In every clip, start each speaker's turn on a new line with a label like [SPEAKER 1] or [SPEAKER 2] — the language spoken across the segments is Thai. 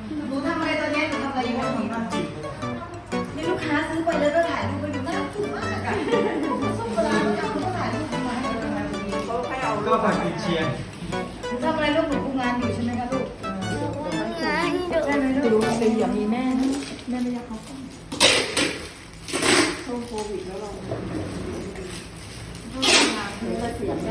[SPEAKER 1] หนูทำอะไรตอนนี้หนูทำอะไรอยู่มีลูกค้าซื้อไปแล้วก็ถ่ายรูปไปดูน่าถูกมากอะส้มโบราณเขาก็ถ่ายรูปมาให้ดูมาดีเขาให้เอา
[SPEAKER 2] ก็ผัดกุนเชียง
[SPEAKER 1] หนูทำอะไรลูกหนูทำงานอยู่ใช่ไหมคะลูก
[SPEAKER 3] งานดู
[SPEAKER 1] ใช่ไหม
[SPEAKER 4] จะ
[SPEAKER 1] ลู
[SPEAKER 4] รู้
[SPEAKER 1] ก
[SPEAKER 4] ว่าเป็นอย่างมีแม่นะแม่ไม่อยากเขาช่วงโควิดแล้วเราจะเสียงได้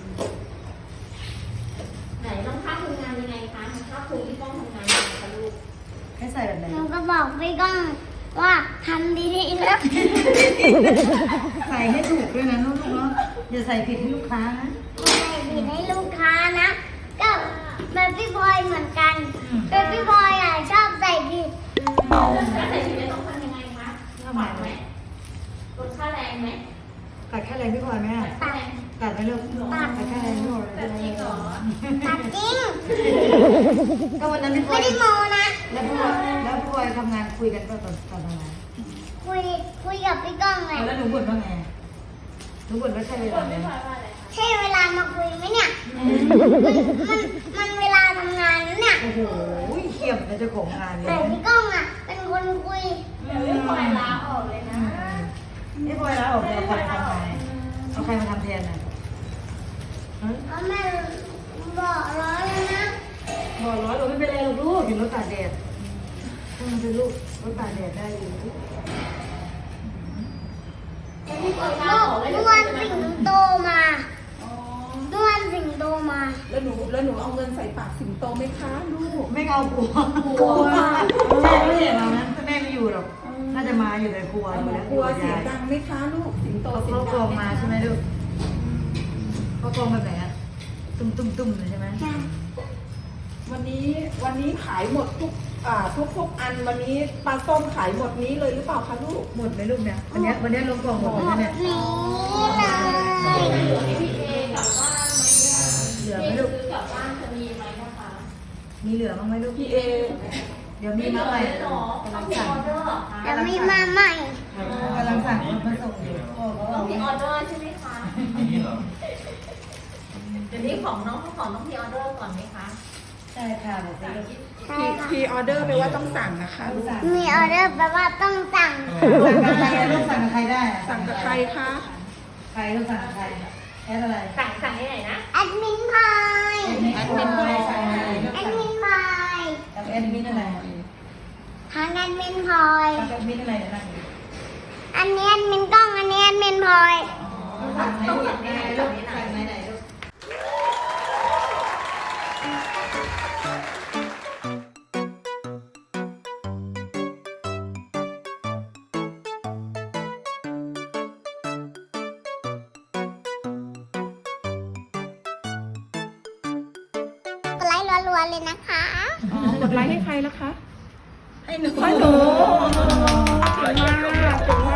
[SPEAKER 5] ไหนน้องข้าวทำงานยังไงคะน้องข้าวครูที่ต้องทำงานยังไงคะลูก
[SPEAKER 1] ให้ใส่แบบไหน
[SPEAKER 3] หนูก็บอกพี่ก้องว่าทำดีๆแล้ว
[SPEAKER 1] ใส่ให้ถูกด้วยนะลูกเนาะอย่าใส่ผิดให้ลูกค้านะ
[SPEAKER 3] ใส่ผิดให้ลูกค้านะ ก็แบบพี่บอยเหมือนกันแบบพี่บอยอ่ะชอบใส่ผิด
[SPEAKER 5] ถ้าใส่ชุดนี้ต้องทำยังไงคะปรับไหมลดค่าแรงไหม
[SPEAKER 1] ตัดแค่แรงพี่พลอยไหมอะ
[SPEAKER 3] ตัด
[SPEAKER 1] ตัดไหมลูกตัดแค่แรงพี่พลอย
[SPEAKER 5] แบบนี้ก่อน
[SPEAKER 3] ตัดจริง
[SPEAKER 1] ก็วันนั้นพี่พลอ
[SPEAKER 3] ไม่
[SPEAKER 1] ย
[SPEAKER 3] ได้โมนะ
[SPEAKER 1] แล้วพี่พลอยทำงานคุยกันตอนอะไร
[SPEAKER 3] คุยกับพี่ก้องเลย
[SPEAKER 1] แล้วหนูบ่นว่าไงหนูบ่นว่าใช่เวลาไหม
[SPEAKER 3] ใช่เวลามาคุยไหมเนี่ยมันเวลาทำงานนะเนี่ย
[SPEAKER 1] โอ้โหเขี้ยมนะเจ้าของงานเล
[SPEAKER 3] แต่
[SPEAKER 1] ย
[SPEAKER 3] พี่ก้องอ่ะ เป็นคนคุย
[SPEAKER 5] เดี๋ยวพี่พลอยลาออกเลยนะ
[SPEAKER 1] พี่พลอยแล้วออกเอาใครมาทำงานเอาใครมาทำแทนน่ะ
[SPEAKER 3] เพราะแม่บอกร้อยแล้วนะ
[SPEAKER 1] บอกร้อยเราไม่เป็นไรหรอกลูกเห็นรถตากแดดถ้ามันเป็นลูกรถตากแดดได้อยู่
[SPEAKER 5] พี่พลอยลาออกเลย
[SPEAKER 3] เมื่อวานสิงโตมาเมื่อวานสิงโตมา
[SPEAKER 4] แล้วหนูเอาเงินใส่ปากสิงโตไหมคะลูก
[SPEAKER 1] ไม่เอากลัวแม่ไม่เห็นเรานะแม่ไม่อยู่หรอกน่าจะมาอยู่แต่กลัวอยู่แล้ว
[SPEAKER 4] กลัวเสียงดังไหมคะลูกสิงโตเสีย
[SPEAKER 1] เขา
[SPEAKER 4] ง
[SPEAKER 1] ก
[SPEAKER 4] ดั
[SPEAKER 1] อง งมาใช่ไหมลูกเขากองแบบไหนอะตุ้มเลยใช่ไหม
[SPEAKER 4] วันนี้ขายหมดทุกอันวันนี้ปลาส้มขายหมดนี้เลยหรือเปล่าคะลูก
[SPEAKER 1] หมดไหมลูกเนี่ยวันนี้ลงกล่องหมดไหมเนี่ย
[SPEAKER 3] นี่เลย
[SPEAKER 5] พี่เอกลับบ้านไหม
[SPEAKER 1] เหลือไหม
[SPEAKER 5] พี่
[SPEAKER 1] ลูก
[SPEAKER 5] ซื้อกลับบ้านจะมีไหมนะคะ
[SPEAKER 1] มีเหลือบ้างไหมลูก
[SPEAKER 4] พี่เอ
[SPEAKER 1] เดี๋ยวมีมาใหม่
[SPEAKER 5] หรอก
[SPEAKER 1] ำลั
[SPEAKER 5] ต้อง
[SPEAKER 1] ง
[SPEAKER 5] มี
[SPEAKER 1] สั่ง
[SPEAKER 5] ออเดอร์เหรอคะ
[SPEAKER 3] จะมีมาใหม่
[SPEAKER 1] กำลังสั่งมาส่งอยู่พ่อเขา
[SPEAKER 5] ต้
[SPEAKER 1] บ
[SPEAKER 5] อ
[SPEAKER 1] อง ก
[SPEAKER 5] มีออเดอร์ใช่ไหมคะ
[SPEAKER 2] อันนี้เหรอ
[SPEAKER 5] เดี๋ยวนี้ของน้องต้องมีออเดอร์ก่อนไหมคะ
[SPEAKER 1] ใช่ค่ะบอกไปลูก
[SPEAKER 3] ใช่ค่ะ
[SPEAKER 4] พีออเดอร์แปลว่าต้องสั่งนะคะลูก
[SPEAKER 1] สั่ง
[SPEAKER 3] มีออเดอร์แปลว่าต้องสั่ง
[SPEAKER 1] กับใครลูกสั่งกับใครได้อะ
[SPEAKER 4] สั่งกับใครคะ
[SPEAKER 1] ใครลูกสั่งกับใครแอดอะไร
[SPEAKER 5] สั่งที่ไหนนะ
[SPEAKER 3] แอดมินพาย
[SPEAKER 1] แอดมินอะไรสั่งอะไรลูก
[SPEAKER 3] แอด
[SPEAKER 1] สั่ง
[SPEAKER 3] มินพาย
[SPEAKER 1] กับแอดมินอะไร
[SPEAKER 3] ทางแอดมินพลอย
[SPEAKER 1] กับแอดมินอะไรเดี๋ยวนั่งดู
[SPEAKER 3] อันนี้แอดมินกล้องอันนี้แอดมินพลอย
[SPEAKER 1] ลูกสั่งไหนลูกสั่งไหนลูกสั่งไหนลูก
[SPEAKER 3] กดไลค์รัวๆเลยนะคะ
[SPEAKER 4] อ๋อกดไลค์ให้ใครแล้วคะ
[SPEAKER 1] ให้หนู
[SPEAKER 4] ให้หนูเก่งมากเก่ง